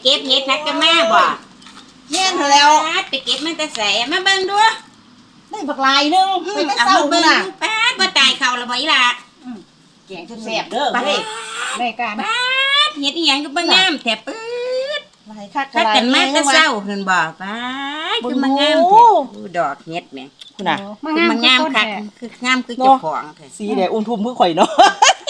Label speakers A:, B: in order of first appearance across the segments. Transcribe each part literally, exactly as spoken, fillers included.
A: ก็บเห็ดนักกันแม่บ่
B: แม่นเถอะแล้ว
A: ไปเก็บมันแต่ใส่มาเบิ่งดู
B: ได้บักลายนึงไปแต่เศร้าพุ่นน่ะ
A: ป้าบ่ตายเขาละบ่อีหล่ะ
B: แกงแซ่บๆเด้อเฮ้ย
C: ได้การ
A: ป้าเฮ็ดอีหยังก็บ่งามแท้ปื๊ด
B: ลายคัก
A: คักกันมาแต่เช้าเพิ่นบ่ป้าคือมางามแท้ดอกเฮ็ดแม่
B: คุณน่ะ
A: คือมางามคักคืองามคือเจ้าของแท้
B: สีแดงอุ้มทุ่มคือข่อยเนาะ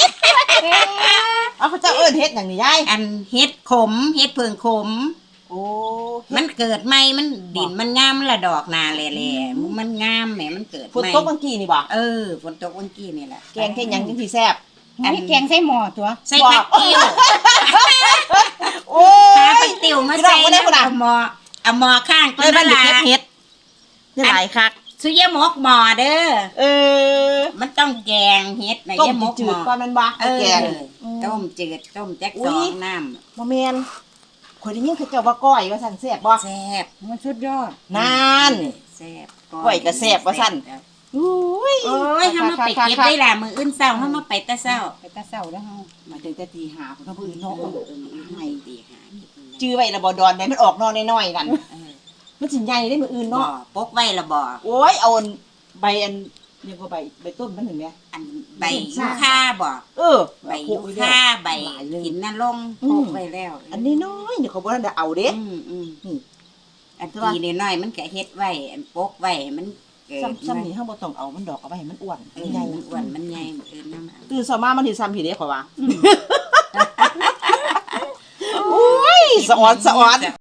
B: เอาเขาเจ้าเอิ้นเฮ็ดหยังนี่ยาย
A: อันเฮ็ดขมเฮ็ดเพิ่งขม
B: โอ้
A: มันเกิดใหม่มันดินมันงามละดอกนาแหล่ๆมันงามแหมมันเกิดใหม่
B: ฝนตกเมื่อกี้นี่บ่
A: เออฝนตกเมื่อกี้นี่แหละ
B: แกงเฮ็ดหยังจังสิแซ่บ
C: อันนี้แกงใส่หม้อตัว
A: ใส่ผักติ้ว
B: โอ้ย
A: หาผักติ้วมาใส่แล้วเอาหม้อเอาหม้อข้าง
B: เลยมันเก็บเฮ็ดนี่หลายคัก
A: สุยะมกหม้อเด้อ
B: เออ
A: มันต้องแกงเฮ็ดน่ะยะมกหม้อ
B: ก่อนมันบ่แกง
A: ต้มจืดต้มจักสองน้ำ
B: บ่แม่นข่อยได้ยินเขาเจ้าว่าก้อยว่าซั่นแซ่บบ่
A: แซ่บ
C: มันสุดยอด
B: นาน
A: แซ่บ
B: ก้อยก็แซ่บว่าซั่นอุ้ย
A: โอ้ยเฮามาไปเก็บได้ล่ะมื้ออื่นเช้าเฮามาไปแต่เช้า
C: ไปแต่เช้าแล้วเฮา
B: มาถึงแต่ตีห้าพุ่นเฮาพื้นเนาะ
A: ให้ตีหา
B: จื้อไว้ละบ่ดอนได้มันออกนอนน้อยๆนั่นมันสิใหญ่ได้มื้ออื่นเนาะ
A: ปกไว้ละบ่
B: โอ้ยเอาใบอันนี่ก็ใบใบต้นมันเห็นมั้ย
A: อันใบยูคาบ่
B: เออ
A: ใบยูคาใบกินน่ะลงปกไว้แล้ว
B: อันนี้น้อยนี่เขาบ่ทันได้เอาเด้
A: อืมๆนี่อันทีน้อยๆมันก็เฮ็ดไว้อันปกไว้มัน
B: ซ้ำๆนี่เฮาบ่ต้องเอามันดอกเอาไว้ให้มันอ้วน
A: ใหญ่มันอ้วนมันใหญ่เอิ้นนำ
B: ตื่นเช้ามามันสิซ้ำพี่เด้ข่อยว่าโอ้ยสะออนสะออน